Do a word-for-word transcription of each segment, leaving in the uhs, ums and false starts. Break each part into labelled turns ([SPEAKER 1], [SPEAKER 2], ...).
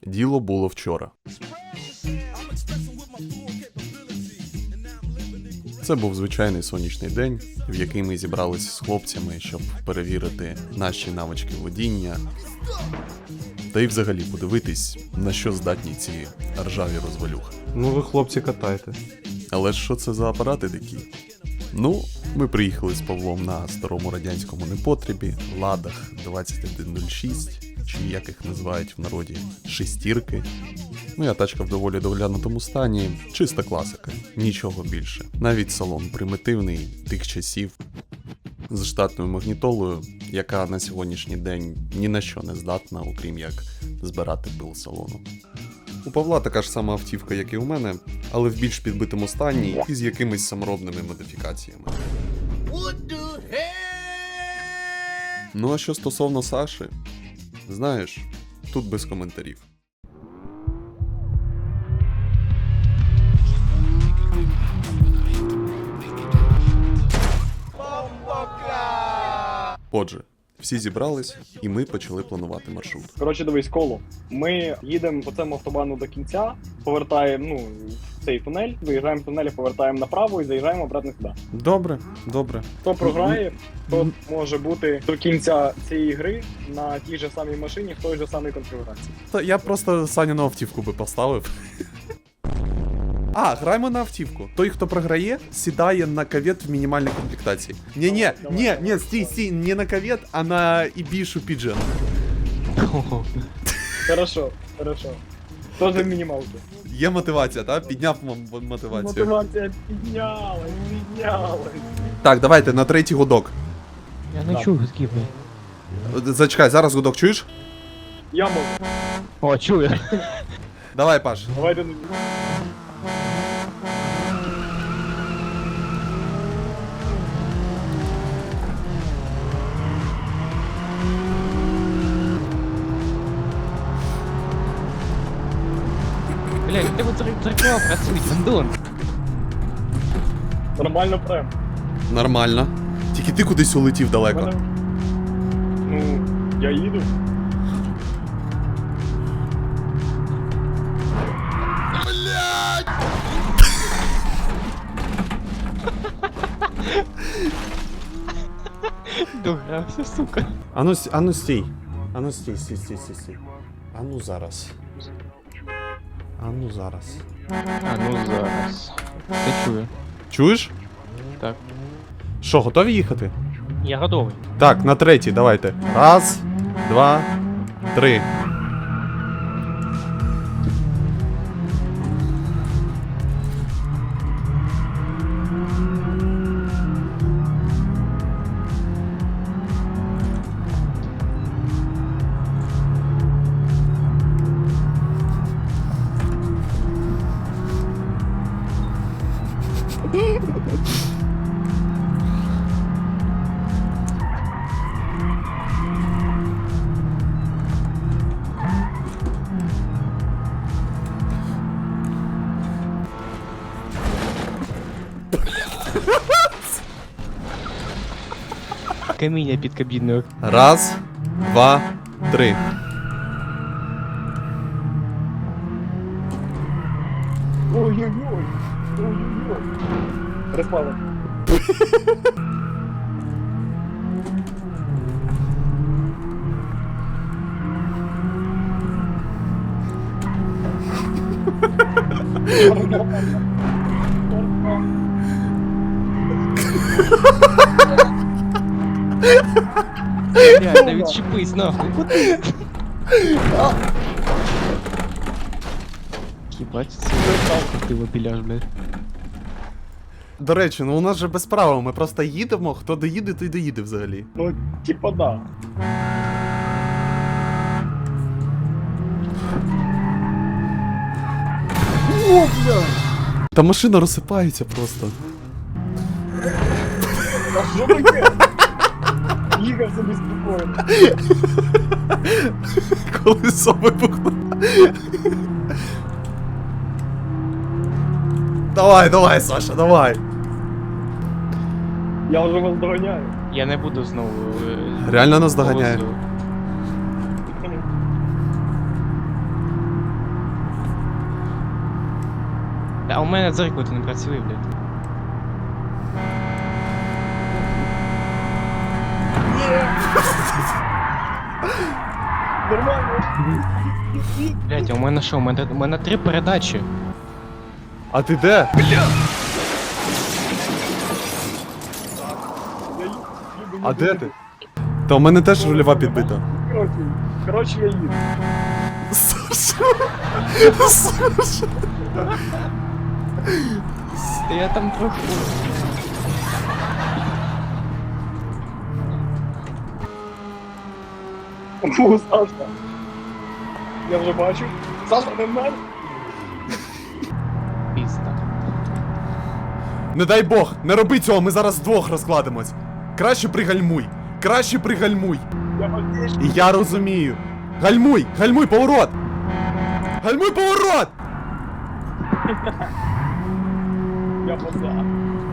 [SPEAKER 1] Діло було вчора. Це був звичайний сонячний день, в який ми зібралися з хлопцями, щоб перевірити наші навички водіння. Та й взагалі подивитись, на що здатні ці ржаві розвалюхи.
[SPEAKER 2] Ну ви, хлопці, катайте.
[SPEAKER 1] Але ж що це за апарати такі? Ну, ми приїхали з Павлом на старому радянському непотребі, Ладах двадцять один нуль шість, чи як їх називають в народі, шестірки. Моя тачка в доволі доглянутому стані, чиста класика, нічого більше. Навіть салон примітивний тих часів, з штатною магнітолою, яка на сьогоднішній день ні на що не здатна, окрім як збирати пил салону. У Павла така ж сама автівка, як і у мене, але в більш підбитому стані і з якимись саморобними модифікаціями. Ну а що стосовно Саші, знаєш, тут без коментарів. Отже, всі зібрались, і ми почали планувати маршрут.
[SPEAKER 3] Коротше, дивись, коло. Ми їдемо по цьому автобану до кінця, повертаємо, ну, в цей тунель, виїжджаємо в тунель, повертаємо направо і заїжджаємо обратно сюди.
[SPEAKER 1] Добре, добре.
[SPEAKER 3] Хто програє, то може бути до кінця цієї гри на тій же самій машині, в той же самій конфігурації.
[SPEAKER 1] Та я просто Саніну автівку би поставив. А, граємо на автівку. Той, хто програє, сідає на кавет в мінімальній комплектації. Ні-ні, ні, ні, стій, стій, не на кавет, а на Ібішу Піджен.
[SPEAKER 3] Хорошо, хорошо. Тоже мінімалки.
[SPEAKER 1] Є мотивація, так? Підняв м- мотивацію.
[SPEAKER 3] Мотивація піднялась, піднялась.
[SPEAKER 1] Так, давайте, на третій гудок.
[SPEAKER 4] Я не
[SPEAKER 3] Так.
[SPEAKER 4] чую скіпи.
[SPEAKER 1] Зачекай, зараз гудок чуєш?
[SPEAKER 3] Я можу.
[SPEAKER 4] О, чую.
[SPEAKER 1] Давай, Паш.
[SPEAKER 3] Давайте.
[SPEAKER 4] Блядь, у тебе дзеркала працюють, Андон.
[SPEAKER 3] Нормально прям.
[SPEAKER 1] Нормально. Тільки ти кудись улетів далеко.
[SPEAKER 3] Мене... Ну, я їду.
[SPEAKER 4] Догрався, сука.
[SPEAKER 1] Ану, ану стій. Ану стій, стій, стій, стій, стій. Ану зараз. Ану зараз.
[SPEAKER 4] А, ну зараз. Ти чую.
[SPEAKER 1] Чуєш?
[SPEAKER 4] Так.
[SPEAKER 1] Що, готові їхати?
[SPEAKER 4] Я готовий.
[SPEAKER 1] Так, на третій, давайте. Раз, два, три.
[SPEAKER 4] Каміння під кабіною.
[SPEAKER 1] Раз, два, три.
[SPEAKER 3] Ой-ой-ой. Ой-ой-ой. Розпали.
[SPEAKER 4] Блядь, да відчепись нахуй. Куди? Їбать, це ти вопіляш, блядь.
[SPEAKER 1] До речі, ну у нас же без правил, ми просто їдемо, хто доїде, той доїде взагалі.
[SPEAKER 3] Ну, типа да. О, бля!
[SPEAKER 1] Та машина розсипається просто.
[SPEAKER 3] А що таке? Їхав собі спокійно.
[SPEAKER 1] Колесо вибухнуло. Давай, давай, Саша, давай.
[SPEAKER 3] Я вже вас доганяю.
[SPEAKER 4] Я не буду знову. е,
[SPEAKER 1] Реально нас доганяє.
[SPEAKER 4] повозу. Та у мене дзеркало не працює, блядь.
[SPEAKER 3] Нормально.
[SPEAKER 4] Блядь, а у мене що? У мене, у мене три передачі.
[SPEAKER 1] А ти де?
[SPEAKER 3] Я їду
[SPEAKER 1] А
[SPEAKER 3] на
[SPEAKER 1] де
[SPEAKER 3] дорогу.
[SPEAKER 1] ти? Та у мене теж рульова підбита.
[SPEAKER 3] Коротше, коротше, я їду.
[SPEAKER 1] Саша! Саша!
[SPEAKER 4] Та я там трохи.
[SPEAKER 3] О, Сашка. Я вже бачу. Саша, не в мене.
[SPEAKER 4] Пізда.
[SPEAKER 1] Не дай Бог, не роби цього, ми зараз вдвох розкладемось. Краще пригальмуй. Краще пригальмуй.
[SPEAKER 3] Я надіюсь.
[SPEAKER 1] І я розумію. Гальмуй! Гальмуй, поворот! Гальмуй, поворот!
[SPEAKER 3] Я поза.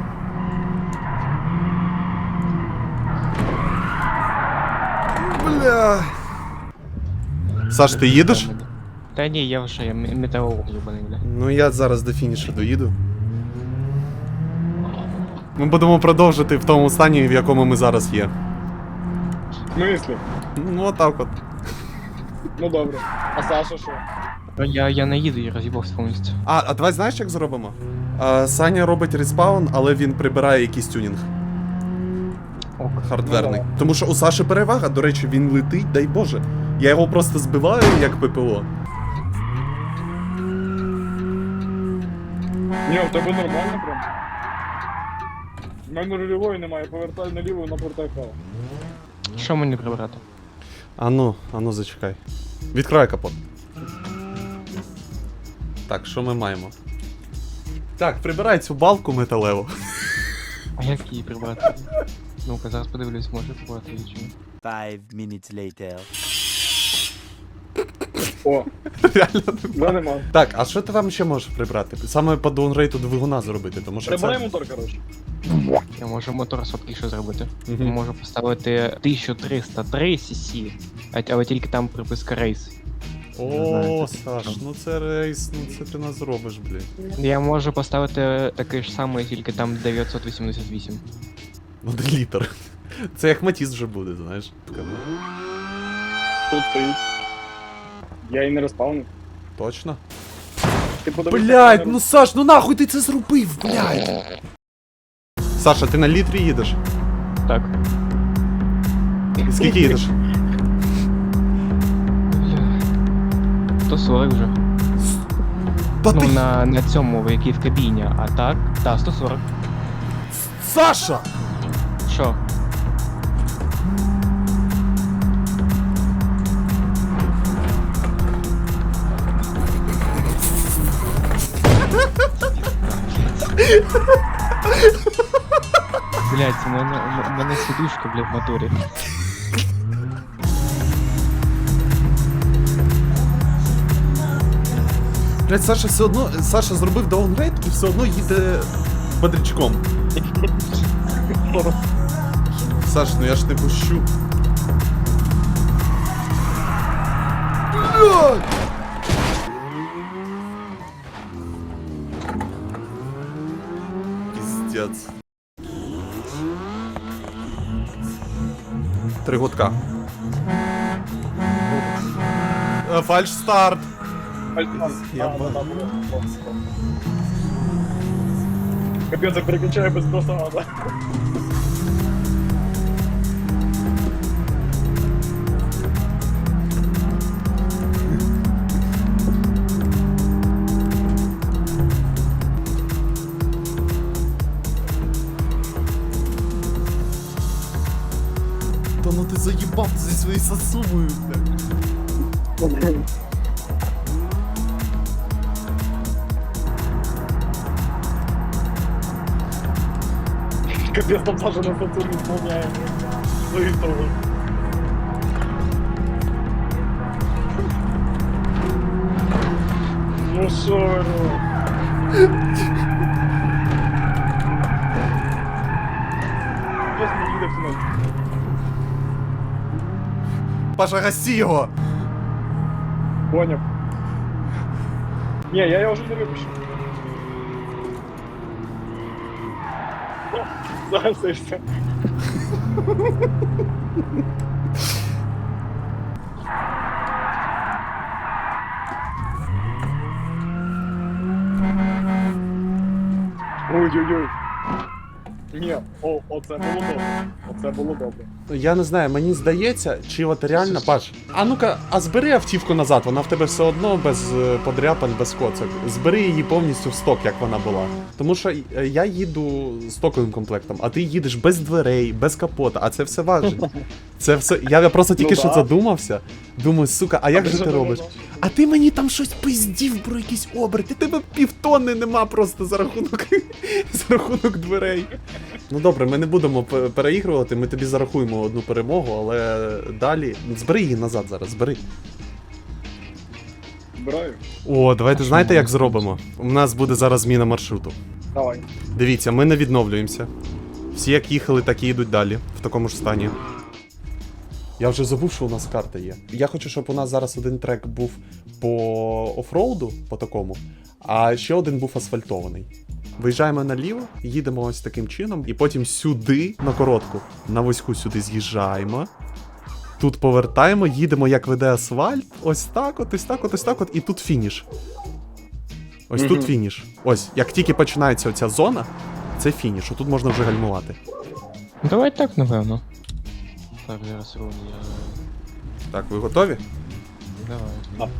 [SPEAKER 1] Бля. Саш, ти їдеш?
[SPEAKER 4] Та ні, я вже я м- метеоролог ебаний, бля.
[SPEAKER 1] Ну я зараз до фінішу доїду. Ми будемо продовжити в тому стані, в якому ми зараз є.
[SPEAKER 3] В смислі?
[SPEAKER 1] Ну отак от.
[SPEAKER 3] Ну добре. А Саша що?
[SPEAKER 4] Та Я, я не їду, я роз'їбався повністю.
[SPEAKER 1] А, а давай знаєш, як зробимо? А, Саня робить респаун, але він прибирає якийсь тюнінг
[SPEAKER 4] Ок.
[SPEAKER 1] хардверний.
[SPEAKER 3] Ну,
[SPEAKER 1] Тому що у Саші перевага, до речі, він летить, дай Боже. Я його просто збиваю як ППО.
[SPEAKER 3] Ні, у тебе нормально прям. У мене рульової немає, повертай наліво, наповертай вправо.
[SPEAKER 4] Що мені прибрати?
[SPEAKER 1] Ану, ану, зачекай. Відкривай капот. Так, що ми маємо? Так, прибирай цю балку металеву.
[SPEAKER 4] А як її прибрати? Ну-ка, зараз подивлюсь, може прибрати її чи ні.
[SPEAKER 2] Five minutes later.
[SPEAKER 3] О,
[SPEAKER 1] Реально.
[SPEAKER 3] вже нема.
[SPEAKER 1] Так, а що ти там ще можеш прибрати? Саме по даунрейту двигуна зробити, тому що
[SPEAKER 3] Прибирай
[SPEAKER 1] це...
[SPEAKER 3] мотор, коротше.
[SPEAKER 4] Я можу мотор сладкіше зробити.
[SPEAKER 1] Мгм.
[SPEAKER 4] Я можу поставити тисяча триста три сі, але тільки там приписка рейс. Не знаю,
[SPEAKER 1] О,
[SPEAKER 4] це-
[SPEAKER 1] Саш, ну це рейс, ну це ти нас зробиш, блядь.
[SPEAKER 4] Я можу поставити такий ж самий, тільки там дев'ятсот вісімдесят вісім.
[SPEAKER 1] Один літр. Це як Матіс вже буде, знаєш.
[SPEAKER 3] Тут стоїть. Я її не розпавнив.
[SPEAKER 1] Точно?
[SPEAKER 3] Ти подивися,
[SPEAKER 1] Блядь,
[SPEAKER 3] як вона
[SPEAKER 1] ну Саш, ну нахуй ти це зробив, блядь. Саша, ти на літрі їдеш?
[SPEAKER 4] Так.
[SPEAKER 1] І скільки їдеш?
[SPEAKER 4] сто сорок вже.
[SPEAKER 1] Та
[SPEAKER 4] Ну,
[SPEAKER 1] ти...
[SPEAKER 4] на, на цьому, в якій в кабіні, а так, та, сто сорок.
[SPEAKER 1] Саша!
[SPEAKER 4] Що? Блять, у мене, у мене сидушка, блядь, в моторі.
[SPEAKER 1] Блядь, Саша все одно... Саша зробив даунрейт і все одно їде бодрячком. Саш, ну я ж не пущу. Блядь! Пиздец. Три гудка. Е, Фальш старт.
[SPEAKER 3] Альтман.
[SPEAKER 1] Я
[SPEAKER 3] А,
[SPEAKER 1] ба-
[SPEAKER 3] да, да, да. Капець, я переключаю без просто надо.
[SPEAKER 1] Та ну ти заїбав зі своєю сосумою, блядь.
[SPEAKER 3] Капець, там Саша на Сатурні сповняє. Свої того. Ну шо ви робите? Хтось не їде в тунель.
[SPEAKER 1] Паша, гаси його!
[SPEAKER 3] Поняв. Ні, я його вже не випущу. Зараз все, все. Ой-ой-ой. Ні, о, оце було добре. Оце було добре.
[SPEAKER 1] Я не знаю, мені здається, чи от реально, Паш. А ну-ка, а збери автівку назад, вона в тебе все одно без е, подряпин, без коцок. Збери її повністю в сток, як вона була. Тому що е, я їду стоковим комплектом, а ти їдеш без дверей, без капота, а це все важить. Це все. Я просто тільки
[SPEAKER 3] Ну
[SPEAKER 1] що
[SPEAKER 3] да.
[SPEAKER 1] задумався. Думаю, сука, а як
[SPEAKER 3] ти
[SPEAKER 1] же
[SPEAKER 3] що
[SPEAKER 1] ти
[SPEAKER 3] думав?
[SPEAKER 1] робиш? А ти мені там щось пиздів про якісь оберти. Тебе півтонни нема просто за рахунок за рахунок дверей. Ну добре, ми не будемо пе- переігрувати, ми тобі зарахуємо одну перемогу, але далі. Збери її назад зараз, збери.
[SPEAKER 3] Збираю.
[SPEAKER 1] О, давайте
[SPEAKER 4] А що
[SPEAKER 1] знаєте,
[SPEAKER 4] ми
[SPEAKER 1] як
[SPEAKER 4] робимо?
[SPEAKER 1] зробимо? У нас буде зараз зміна маршруту.
[SPEAKER 3] Давай.
[SPEAKER 1] Дивіться, ми не відновлюємося. Всі як їхали, так і йдуть далі, в такому ж стані. Я вже забув, що у нас карта є. Я хочу, щоб у нас зараз один трек був по офроуду, по такому, а ще один був асфальтований. Виїжджаємо наліво, їдемо ось таким чином, і потім сюди, на коротку, на вузьку сюди з'їжджаємо. Тут повертаємо, їдемо, як веде асфальт. Ось так от, ось так от, ось так от, і тут фініш. Ось
[SPEAKER 3] Мгм.
[SPEAKER 1] тут фініш. Ось, як тільки починається оця зона, це фініш, отут можна вже гальмувати.
[SPEAKER 4] Ну, давай так, напевно. Так, зараз руль я...
[SPEAKER 1] Так, ви готові?
[SPEAKER 4] Давай.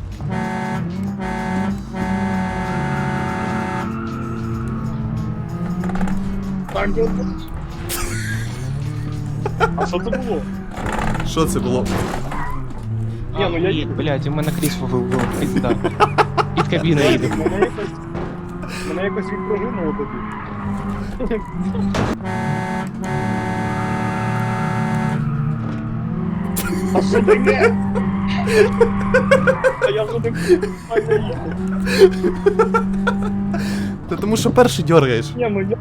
[SPEAKER 3] Так, от. А що це було?
[SPEAKER 1] Що це було?
[SPEAKER 3] Ні, ну я
[SPEAKER 4] Ні,
[SPEAKER 3] їду.
[SPEAKER 4] блядь, у мене крісло вивело, пизда. Під кабіною їде.
[SPEAKER 3] Мене якось... Мене якось відпружинило тоді. А що таке? А я вже не їду.
[SPEAKER 1] Та тому що перший дергаєш.
[SPEAKER 3] Ні, ну я...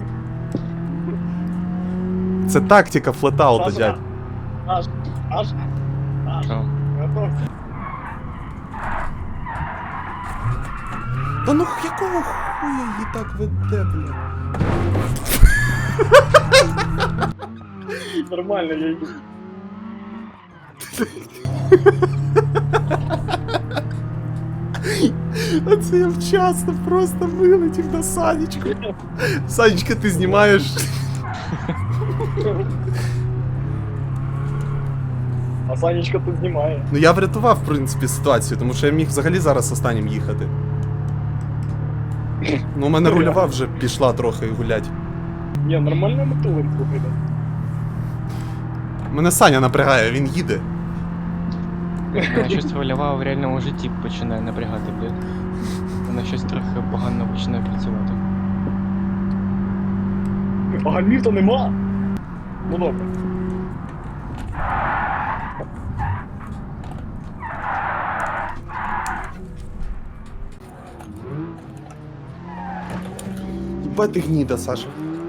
[SPEAKER 1] Це тактика флетаута,
[SPEAKER 3] Аж,
[SPEAKER 1] дядь.
[SPEAKER 3] аж, аж, аж.
[SPEAKER 4] Що?
[SPEAKER 3] Готовся.
[SPEAKER 1] Та ну якого хуя її так веде, блядь?
[SPEAKER 3] Нормально, я йду.
[SPEAKER 1] А це я вчасно просто вилетів на Санечку. Санечка, ти знімаєш.
[SPEAKER 3] А Санечка тут знімає.
[SPEAKER 1] Ну я врятував, в принципі, ситуацію, тому що я міг взагалі зараз останнім їхати. Ну, у мене рульова вже пішла трохи гулять.
[SPEAKER 3] Ні, нормально мотулик слухайте.
[SPEAKER 1] Мене Саня напрягає, він їде.
[SPEAKER 4] Вона щось рольова в реальному житті починає напрягати, блядь. Вона щось трохи погано починає працювати.
[SPEAKER 3] А гальмів то нема. Ну добре.
[SPEAKER 1] Єбать ти гніда, Саша.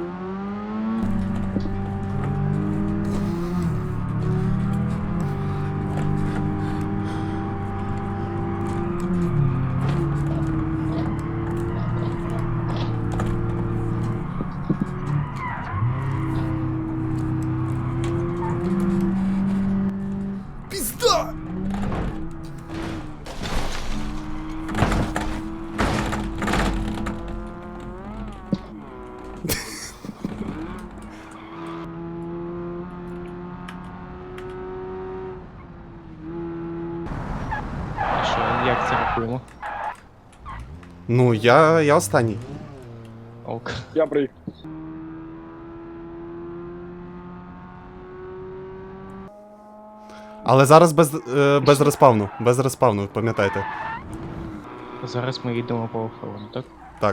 [SPEAKER 1] Пизда!
[SPEAKER 4] І що, як це рахуємо?
[SPEAKER 1] Ну, я, я останній.
[SPEAKER 4] Ок.
[SPEAKER 3] Я приїхав.
[SPEAKER 1] Але зараз без, е, без респавну. Без респавну, пам'ятайте.
[SPEAKER 4] Зараз ми їдемо по оффроуду, так?
[SPEAKER 1] Так.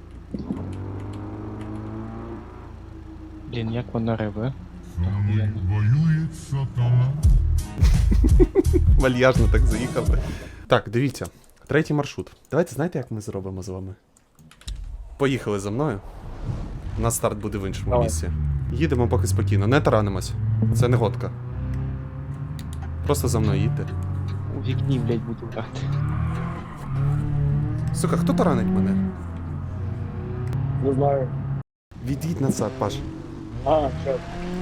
[SPEAKER 4] Блін, як воно реве? Охуєнно.
[SPEAKER 5] Воюет сатана.
[SPEAKER 1] Вальяжно так заїхав. Так, дивіться. Третій маршрут. Давайте знаєте, як ми зробимо з вами? Поїхали за мною. У нас старт буде в іншому
[SPEAKER 3] Давай.
[SPEAKER 1] місці. Їдемо поки спокійно, не таранимось. Це не годка. Просто за мною їдьте.
[SPEAKER 4] У вікні, блядь, буду грати.
[SPEAKER 1] Сука, хто таранить мене?
[SPEAKER 3] Не знаю.
[SPEAKER 1] Від'їдь назад, Паш.
[SPEAKER 3] А, що?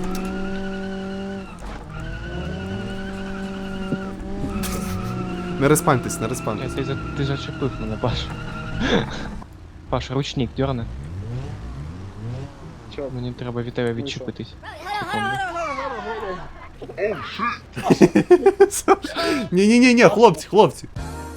[SPEAKER 1] Не респаньтесь, не
[SPEAKER 4] Ні,
[SPEAKER 1] респаньтесь.
[SPEAKER 4] ти, за- ти зачепив мене, Паш. Паш, ручник дьорни.
[SPEAKER 3] Що?
[SPEAKER 4] Мені треба від тебе відчепитись. Секунду.
[SPEAKER 1] Ні-ні-ні, хлопці, хлопці.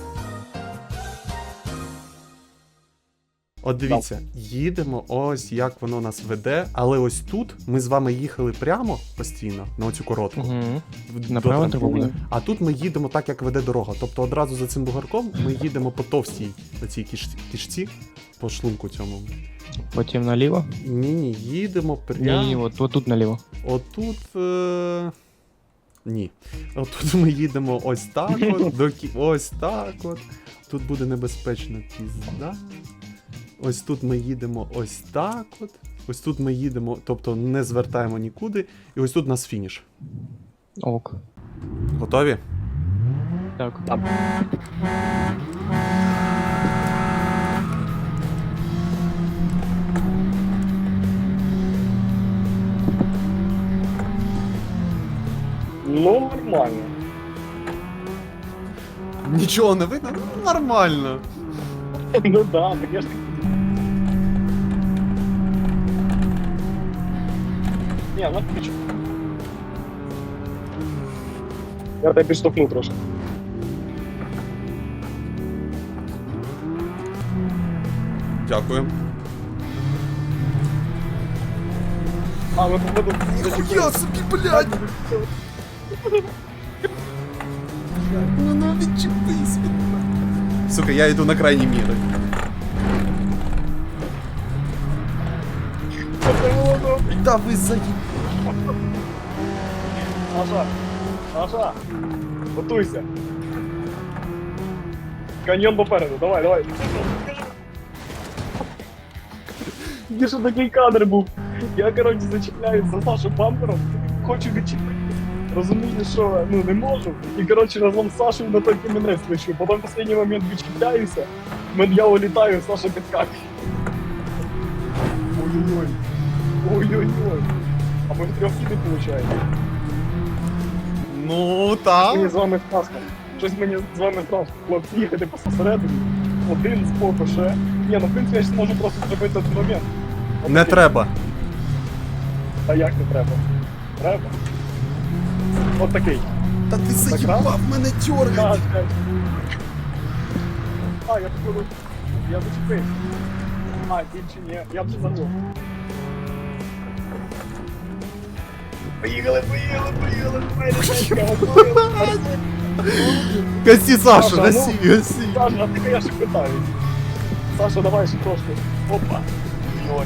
[SPEAKER 1] От дивіться, їдемо, ось як воно нас веде, але ось тут ми з вами їхали прямо постійно на оцю коротку.
[SPEAKER 4] Угу.
[SPEAKER 1] в-
[SPEAKER 4] Направо
[SPEAKER 1] до
[SPEAKER 4] треба буде?
[SPEAKER 1] трампліну. А тут ми їдемо так, як веде дорога. Тобто одразу за цим бугорком ми їдемо по товстій оцій кіш... кішці, по шлунку цьому.
[SPEAKER 4] Потім наліво?
[SPEAKER 1] Ні-ні, їдемо прямо.
[SPEAKER 4] Ні, от, от тут наліво.
[SPEAKER 1] Отут. Е... Ні. Отут ми їдемо ось так от, до кі... ось так от. Тут буде небезпечна пізда. Ось тут ми їдемо ось так от. Ось тут ми їдемо, тобто не звертаємо нікуди. І ось тут у нас фініш.
[SPEAKER 4] Ок.
[SPEAKER 1] Готові?
[SPEAKER 4] Так.
[SPEAKER 3] Ну, нормально.
[SPEAKER 1] Нічого не видно? Ну, нормально.
[SPEAKER 3] Ну да, так я ж... Ні, ну ти чо? Я тебе підштовхну трошки.
[SPEAKER 1] Дякую.
[SPEAKER 3] А, ми походу...
[SPEAKER 1] Ніхуя собі, блядь! Ну ну відчепись від мене. Сука, я йду на крайні міри. Да ви заїб...
[SPEAKER 3] Саша! Саша! Готуйся! Каньйон попереду, давай, давай! Де що такий кадр був? Я, коротше, зачіпляюсь за Сашу бампером, хочу відчепити. Розумію, що ну не можу. І коротше разом з Сашою на той камінець лечу. Потім в останній момент відчіпляюся, мен- я улітаю, Саша підскакує. Ой-ой-ой. Ой-ой-ой. А ми в трьох не виходить.
[SPEAKER 1] Ну
[SPEAKER 3] Мені
[SPEAKER 1] так.
[SPEAKER 3] з вами страшно. Щось мені з вами страшно. Хлопці, їхати посередині. Один з боку ще. Ні, ну в принципі я ж можу просто зробити один момент. От
[SPEAKER 1] Не
[SPEAKER 3] такий.
[SPEAKER 1] треба.
[SPEAKER 3] А як не треба? Треба. От такий.
[SPEAKER 1] Та ти
[SPEAKER 3] заїбав
[SPEAKER 1] мене
[SPEAKER 3] А,
[SPEAKER 1] тьоргать.
[SPEAKER 3] чекай. А, я походу. Я зачепив. А, більше ні. Я вже забув. Поїхали, поїхали, поїхали, поїхали.
[SPEAKER 1] Гасі, Саша,
[SPEAKER 3] Саша,
[SPEAKER 1] гасі, гасі.
[SPEAKER 3] Саша, а ти я ще питаю. Саша, давай ще трошки. Опа. Ой.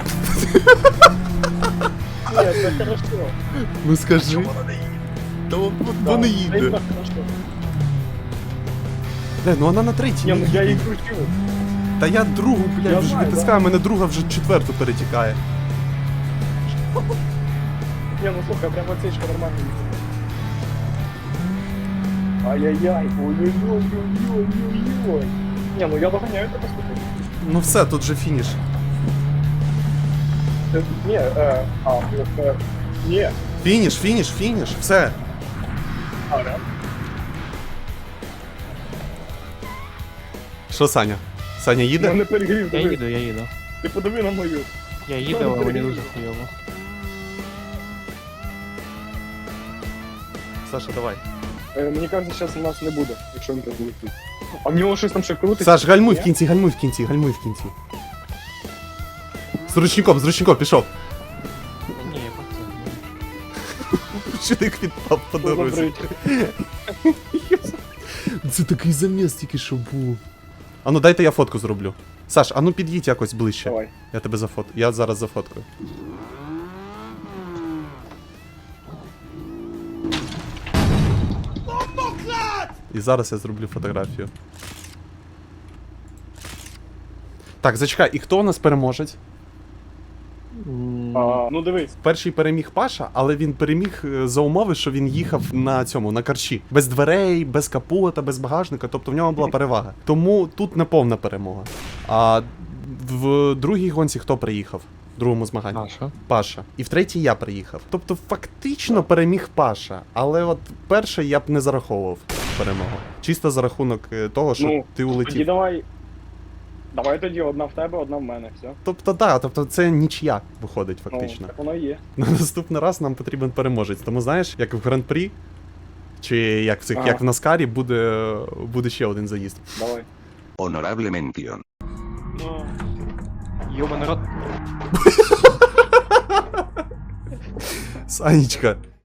[SPEAKER 3] Ні, це хорошо.
[SPEAKER 1] Ну скажи.
[SPEAKER 3] Чому вона не їде?
[SPEAKER 1] Та вон-
[SPEAKER 3] Да,
[SPEAKER 1] вони
[SPEAKER 3] це
[SPEAKER 1] їде.
[SPEAKER 3] іменно хорошо.
[SPEAKER 1] Де, ну вона на третій.
[SPEAKER 3] Ні,
[SPEAKER 1] не
[SPEAKER 3] ну я її
[SPEAKER 1] їде.
[SPEAKER 3] кручу.
[SPEAKER 1] Та я другу,
[SPEAKER 3] Я
[SPEAKER 1] блядь, вже
[SPEAKER 3] знаю,
[SPEAKER 1] витискаю, мене друга вже четверту перетікає.
[SPEAKER 3] Ні, ну слухай, прям отсечка нормально їде. Ай-яй-яй, ой-ой-ой-ой-ой-ой. Ні, ну я доганяю тебе слухай.
[SPEAKER 1] Ну все, тут же фініш.
[SPEAKER 3] Е, Ні, е, а, е, ні.
[SPEAKER 1] Фініш, фініш, фініш, все.
[SPEAKER 3] А, реально?
[SPEAKER 1] Що, Саня? Саня
[SPEAKER 3] Я
[SPEAKER 1] їде?
[SPEAKER 3] не перегрів,
[SPEAKER 4] Я
[SPEAKER 3] диви.
[SPEAKER 4] їду, я їду.
[SPEAKER 3] Ти подиви на мою.
[SPEAKER 4] Я їду, але мені дуже хуйово.
[SPEAKER 1] Саша, давай.
[SPEAKER 3] Е, Мені кажеться, зараз у нас не буде, якщо він так буде. А в нього щось там ще крутить.
[SPEAKER 1] Саш, гальмуй в
[SPEAKER 3] Ні?
[SPEAKER 1] кінці, гальмуй в кінці, гальмуй в кінці. З ручником, з ручником, пішов.
[SPEAKER 4] Ні, я просто...
[SPEAKER 1] Ручник відпав по
[SPEAKER 3] Що за
[SPEAKER 1] дорозі.
[SPEAKER 3] брить?
[SPEAKER 1] Це такий заміс тільки що був. А ну дайте я фотку зроблю. Саш, а ну під'їдь якось ближче.
[SPEAKER 3] Давай.
[SPEAKER 1] Я тебе зафот... Я зараз зафоткаю. І зараз я зроблю фотографію. Так, зачекай, і хто у нас переможець?
[SPEAKER 4] М,
[SPEAKER 3] А, ну дивись.
[SPEAKER 1] Перший переміг Паша, але він переміг е, за умови, що він їхав на цьому, на карчі. Без дверей, без капота, без багажника, тобто в нього була перевага. Тому тут не повна перемога. А в другій гонці хто приїхав? в другому змаганні.
[SPEAKER 4] А що?
[SPEAKER 1] Паша. І в третій я приїхав. Тобто фактично переміг Паша. Але от перше я б не зараховував перемогу. Чисто за рахунок е, того, що
[SPEAKER 3] Ну,
[SPEAKER 1] ти
[SPEAKER 3] Тоді
[SPEAKER 1] улетів.
[SPEAKER 3] давай. Давай тоді одна в тебе, одна в мене, все.
[SPEAKER 1] Тобто, так, тобто це нічия виходить
[SPEAKER 3] Ну,
[SPEAKER 1] фактично.
[SPEAKER 3] так воно і є.
[SPEAKER 1] На наступний раз нам потрібен переможець. Тому знаєш, як в гран-прі, чи як в цих,
[SPEAKER 3] Ага.
[SPEAKER 1] як в Наскарі, буде, буде ще один заїзд.
[SPEAKER 3] Давай.
[SPEAKER 6] Honorable mención.
[SPEAKER 3] Ну,
[SPEAKER 4] Йоба народ.
[SPEAKER 1] Санечка,